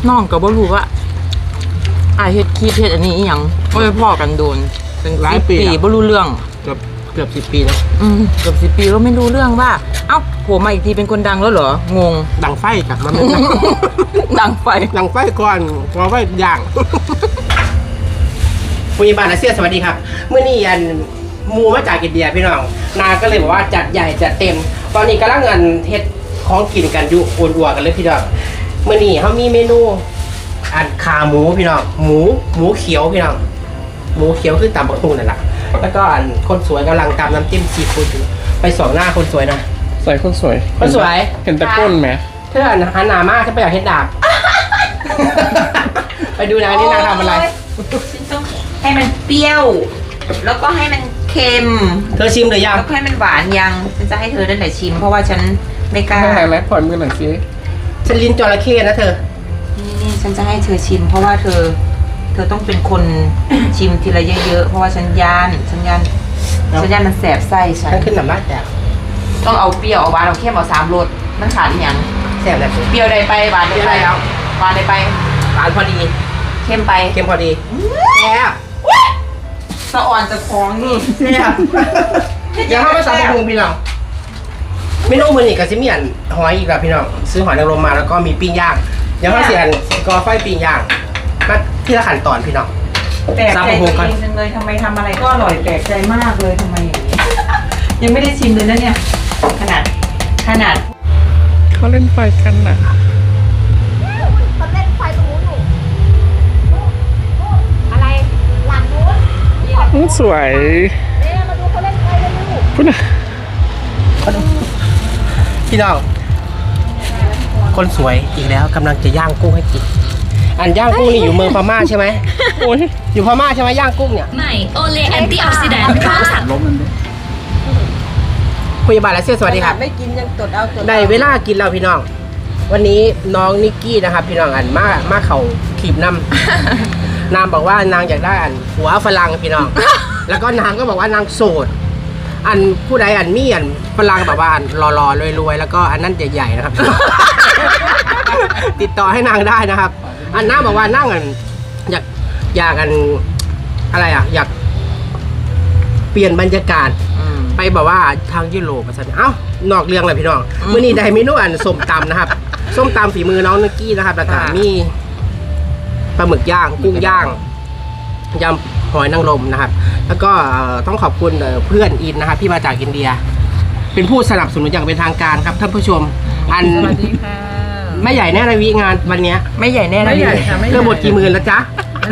น้องก็บ่รู้ว่าเฮ็ดคีเฮ็ดอันนี้อีหยังบ่ได้พ้อกันโดนเป็นหลายปีบ่รู้เรื่องเกือบ10 ปีแล้วเกือบ10 ปีแล้วไม่รู้เรื่องว่าเอ้าโผล่มาอีกทีเป็นคนดังแล้วเหรองงดังไฟกับมันดังไฟก่อนไฟย่างผู้ใหญ่บ้านอาเซียนสวัสดีครับเมื่อนี้อันมูมาจากอินเดียพี่น้องนาก็เลยบอกว่าจัดใหญ่จัดเต็มตอนนี้กำลังเงินเฮ็ดของกินกันอยู่อ้วนๆกันเลยพี่น้องเมื่อนี้เขามีเมนูอันขาหมูพี่น้องหมูเขียวพี่น้องหมูเขียวคือตำบักหุ่งนั่นแหละแล้วก็อันคนสวยกำลังตำน้ำจิ้มซีฟู้ดอยู่ไปส่องหน้าคนสวยนะใส่คนสวยเห็นแต่ก้นไหมเธอหันหน้ามากฉันไปอยากเห็นดาบ ไปดูนะนี่นางทำอะไรฉันต้องให้มันเปรี้ยวแล้วก็ให้มันเค็มเธอชิมหรือยังแล้วก็ให้มันหวานยังฉันจะให้เธอนั่นแหละชิมเพราะว่าฉันไม่กล้าไม่ไหนปล่อยมือหน่อยสิฉันลิ้นจระเข้นะเธอนี่ฉันจะให้เธอชิมเพราะว่าเธอต้องเป็นคน ชิมทีละเยอะๆเพราะว่าฉันย่านมันแสบไส้ฉันขึ้นหนำลาดแตกต้องเอาเปรี้ยวเอาหวานเอาเค็มเอา3 รสมันขาดอีกอย่างแสบแบบเปรี้ยวได้ไปหวานได้ไปแล้วหวานได้ไปหวานพอดีเค็มพอดีแซ่บสะอ่อนจะคล้องนี่แซ่บยังเข้ามาสามปรุงพี่น้องเมนูมือนี่กับซิเมียนหอยอีกแล้วพี่น้องซื้อหอยนางรมมาแล้วก็มีปิ้งย่างยังเข้าเสียนกอไฟปิ้งย่างก็ที่ละขั้นตอนพี่น้องแปลกใจตัวเองจังเลยทำไมทำอะไรก็อร่อยแปลกใจมากเลยทำไมอย่างนี้ยังไม่ได้ชิมเลยนะเนี่ยขนาดเขาเล่นไฟกันน่ะเขาเล่นไฟตรงนู้นอยู่อะไรหลังนู้นสวยเนี่ยมาดูเขาเล่นไฟกันอยู่พูดนะพี่น้องคนสวยอีกแล้วกำลังจะย่างกุ้งให้กินอันย่างกุ้งนี่อยู่เมืองพม่าใช่ไหมโอ้ยอยู่พม่าใช่ไหมย่างกุ้งเนี่ยใหม่โอเลแอนตี้ออกซิแดนต์พร้อมสารลบมันด้วยผู้ใหญ่บ้านและเสียสวัสดีครับไม่กินยังตดเอาได้เวลากินแล้วพี่น้องวันนี้น้องนิกกี้นะครับพี่น้องอันมาเขาขีบน้ำนางบอกว่านางอยากได้อันหัวฝรั่งพี่น้องแล้วก็นางก็บอกว่านางโสดอันผู้ใดอันมีอันฝรั่งแบบว่าอันรอๆรวยๆแล้วก็อันนั้นใหญ่ๆนะครับ ติดต่อให้นางได้นะครับอันนางบอกว่านั่งอันอยากอันอะไรอ่ะอยากเปลี่ยนบรรยากาศไปแบบว่าทางยุโรปสันนอกเรื่องเลยพี่น้องมื้อนี้ได้เมนูอันส้มตำนะครับส้มตำฝีมือน้องนิกกี้นะครับแล้วก็มีปลาหมึกย่างกุ้งย่างยำหอยนางรมนะครับแล้วก็ต้องขอบคุณเพื่อนอินนะครับที่มาจากอินเดียเป็นผู้สนับสนุนอย่างเป็นทางการครับท่านผู้ชมสวัสดีค่ะไม่ใหญ่แน่ในวิงานวันนี้ไม่ใหญ่แน่ไม่ใหญ่ค่ะเธอหมดกี่หมื่นแล้วจ๊ะ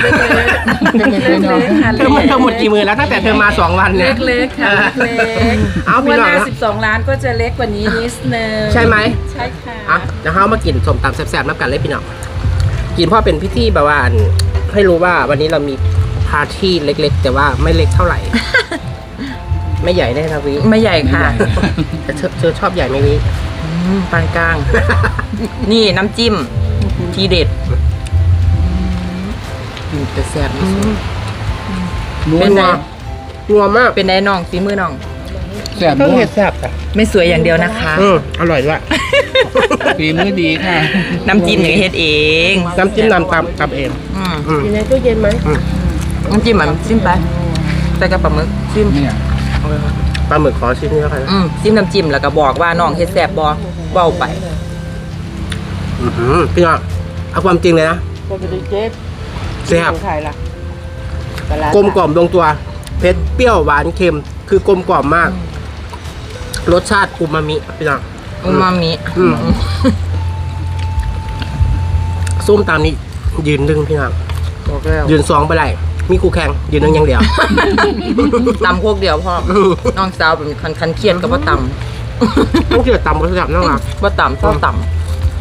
เธอหมดกี่หมื่นแล้วตั้งแต่เธอมา2 วันเนี่ยเล็กๆค่ะเล็กๆเอาพี่น้อง 12 ล้านก็จะเล็กกว่านี้นิดนึงใช่ไหมใช่ค่ะเดี๋ยวเรามากินส้มตำแซ่บๆนับกันเลยพี่น้องกินเพราะเป็นพิธีแบบว่าให้รู้ว่าวันนี้เรามีปาร์ตี้เล็กๆแต่ว่าไม่เล็กเท่าไหร่ไม่ใหญ่แน่นะวิไม่ใหญ่ค่ะแต่เธอชอบใหญ่ไหมวิปานกลางนี่น้ำจิ้มทีเด็ดแต่แซ่บเป็นไงนัวมากเป็นไงน้องฝีมือน้องแซ่บเผ็ดแซ่บอ่ะไม่สวยอย่างเดียวนะคะอร่อยด้วยฝีมือดีค่ะน้ำจิ้มอย่างเฮ็ดเองน้ำจิ้มนำตำเองอยู่ในตู้เย็นไหมน้ำจิ้มมันจิ้มไปแต่กับปลาหมึกจิ้มปลาหมึกขอชิ้นนี้แล้วกันจิ้มน้ำจิ้มแล้วก็บอกว่าน้องเฮ็ดแซ่บบ่เว้าไปพี่น้องเอาความจริงเลยนะแซ่บกลมกล่อมลงตัวเผ็ดเปรี้ยวหวานเค็มคือกลมกล่อมมากรสชาติอูมามิพี่น้องอูมามิส้มตามนี้ยืน1พี่น้องยืน2ไปไหนมีคู่แข่งยืน1อย่างเดียวตำพวกเดียวพ่อน้องสาวเป็นคันเครียดกับว่าตำต้องเกี่ยวตำก็แซ่บนั่งหลับว่าตำชอบตำ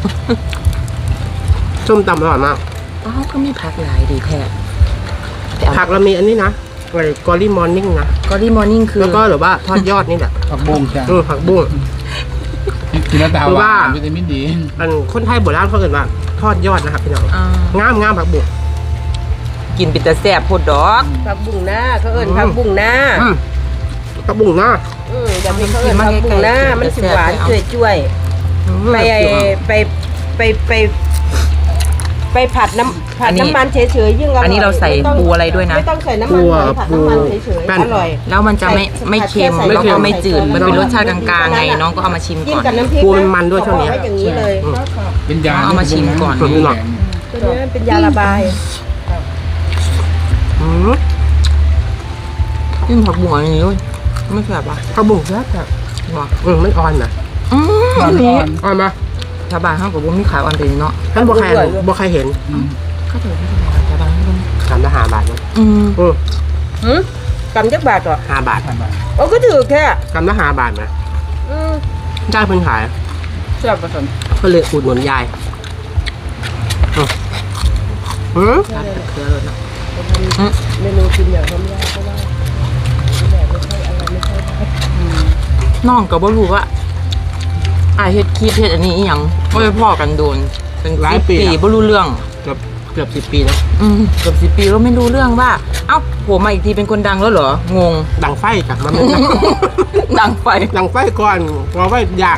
ส้มตำอร่อยมากก็มีผักหลายดีแท้ผักเรามีอันนี้นะอะไรกอรี่มอร์นิ่งนะกอรี่มอร์นิ่งคือแล้วก็หรือว่าทอดยอดนี่แหละผักบุ้งใช่ผักบุ้งกินแล้วตาหวานวิตามินดีคนไทยโบราณเขาเรียกว่าทอดยอดนะครับพี่น้องงามผักบุ้งกินเป็นแต่แซ่บโพดดอกผักบุ้งหน้าเขาเอิ้นผักบุ้งหน้าผักบุ้งหน้าอย่ามีเขาเอิ้นผักบุ้งหน้ามันสิหวานช่วยไปไปผัดน้ำอันนี้มันเฉยๆยิ่งอร่อยอันนี้เราใส่ไม่ต้องปูอะไรด้วยนะไม่ต้องใส่น้ำมันเลยผัดน้ำมันเฉยปูๆอร่อยแล้วมันจะไม่เค็มใส่แล้วก็ไม่จืดใส่มันเป็นรสชาติกลางๆไงน้องก็เอามาชิมจิ้มก่อนกับน้ำพริกปูมันด้วยช่วงนี้ไว้อย่างนี้เลยเป็นยาเอามาชิมก่อนตัวนี้หรอตัวนี้เป็นยาระบายอืมจิ้มผักบัวอย่างนี้ด้วยไม่แสบปะข้าวบุ้งแซ่บแบบบอกมันอ่อนนะตอนนี้อ่อนมาชาวบ้านเขากับผมมีขายออนเดนเนาะท่านบ่ใครเห็นก็ถือว่าชาวบ้านเขาทำละ5 บาทเนอะอืมกำจักบาทเหรอ 5 บาทโอ้ก็ถือแค่กำละ5 บาทนะอืมจ้าเพิ่นขายแซ่บผสมก็เลยอุดหนุนยายอืมเครือเลยเนาะเมนูกินอย่างทำยากเพราะว่าน้องก็บ่รู้ว่าเฮ็ดคลิปเฮ็ดอันนี้อีหยังก็ไปพ่อกันโดนเป็นหลายปีบ่รู้เรื่องเกือบ10 ปีนะเกือบ10 ปีแล้วไม่รู้เรื่องว่า เอ้าผมมาอีกทีเป็นคนดังแล้วเหรองงดังไฟกับมันไม่ดังไฟดังไฟก่อนพอไฟย่าง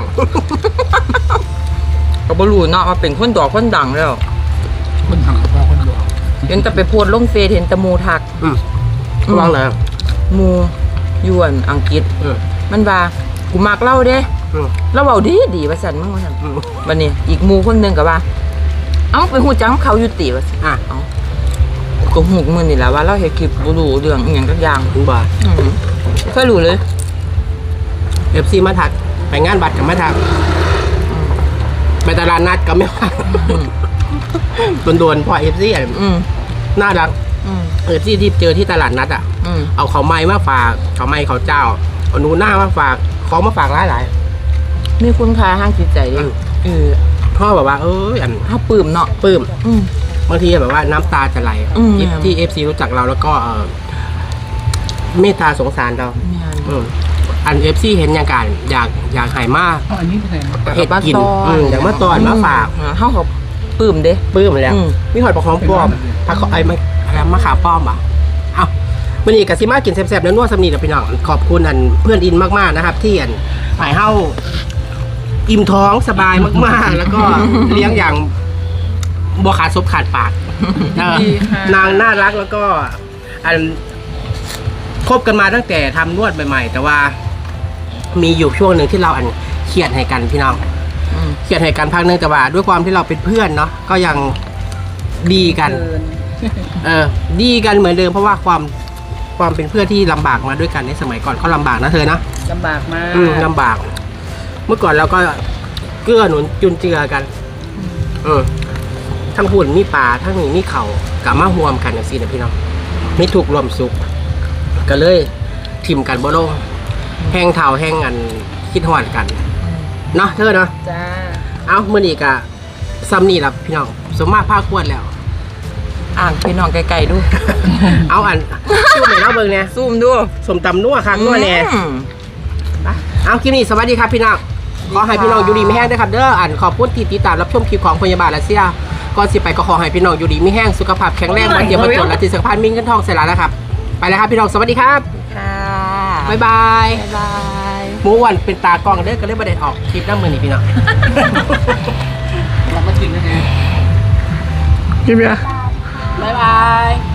ก็บ่รู้เนาะว่าเป็นคนดอกคนดังแล้วคนถังพ่อคนดวงเห็นแต่ไปโพสต์ลงเฟซเห็นแต่หมูทักวางเลยหมูยวนอังกฤษ มันว่ากูมักเล่าเด้แล้วเว้าดีว่าซั่นมึงว่าซั่นบัดนี้อีกหมู่คนหนึงก็ว่า เอ้าไปฮู้จักเขาอยู่ติว่าซั่นอ่ะเอ้าก็ฮู้มื้อนี่แหละว่าเราเฮ็ดคลิปบ่รู้เรื่องอีหยังสักอย่างคุณบ่าเคยรู้เลย FC มาถักไปงานบัตรกับมาถักไปตลาดนัดก็ไม่ว่าโดนๆพอ FC อ่ะอืมน่ารัก FC ที่เจอที่ตลาดนัดอ่ะ เอาเขาวไม้มาฝากเขาวไม้เขาวเจ้าเอาหนูหน้ามาฝากของมาฝากหลายมีคุณค่าทางจิตใจดิพ่อแบบว่าอันเฮาปลื้มเนาะปลื้มอืมบางทีแบบว่าน้ำตาจะไหล ที่ FC รู้จักเราแล้วก็เมตตาสงสารเราแม่นอัน FC เห็นอย่างการอยากหายมากอันนี้เป็นไงเห็ดกินอยากมาตอนมาฝากเฮาก็ปลื้มเด้ปลื้มแล้วอืมมีหอยปลาคองป้อมผักไอ้มะขามป้อมอ่ะเอ้าวันนี้กับซิมากินแซ่บๆแล้วนวดสำนีกับพี่น้องขอบคุณอันเพื่อนอินมากๆนะครับ ที่อันหายเฮาอิ่มท้องสบายมากๆ แล้วก็เลี้ยงอย่างบัวขาดซบขาดปากนางน่ารักแล้วก็อันคบกันมาตั้งแต่ทำนวดใหม่ๆแต่ว่ามีอยู่ช่วงหนึ่งที่เราอันเครียดให้กันพี่น้องเครียดให้กันพักนึงแต่ว่าด้วยความที่เราเป็นเพื่อนเนาะก็ยังดีกัน ดีกันเหมือนเดิมเพราะว่าความเป็นเพื่อนที่ลำบากมาด้วยกันในสมัยก่อนก็ลำบากนะเธอนะลำบากมากลำบาก เมื่อก่อนเราก็เกื้อหนุนจุนเจือกันทั้งหุ่นมีป่าทั้งนี้มีเขากับมาห่วมกันอย่างสินะพี่น้องมีถูกรวมสุขก็เลยทิมกันบ่ลงแห้งเท่าแห้งอันคิดหอดกันเนาะเธอเนาะจ้าเอาเมื่อนี้กะซ้ำนี่ละพี่น้องสมมาภาคควรแล้วอ่างพี่น้องไกลๆดูเอาอันชูไหนเล่าเบิ่งเนี่ยซูมดูสมตำนัวคักนัวแน่ เอาคลิปนี้สวัสดีครับพี่น้องขอให้พี่น้องอยู่ดีไม่แห้งด้วยครับเด้ออันขอบคุณที่ติดตามรับชมคลิปของพยาบาลรัสเซียก่อนสิไปก็ขอให้พี่น้องอยู่ดีไม่แห้งสุขภาพแข็งแรงวันเดียววันจนและที่สำคัญมีเงินทองเสร็จแล้วนะครับไปแล้วครับพี่น้องสวัสดีครับค่ะบ๊ายบายบ๊ายบายหมูหวันเป็นตากล้องเด้อก็เลยประเด็นออกคลิปน้ำมือนี่พี่น้องเรามากินนะฮะบ๊ายบาย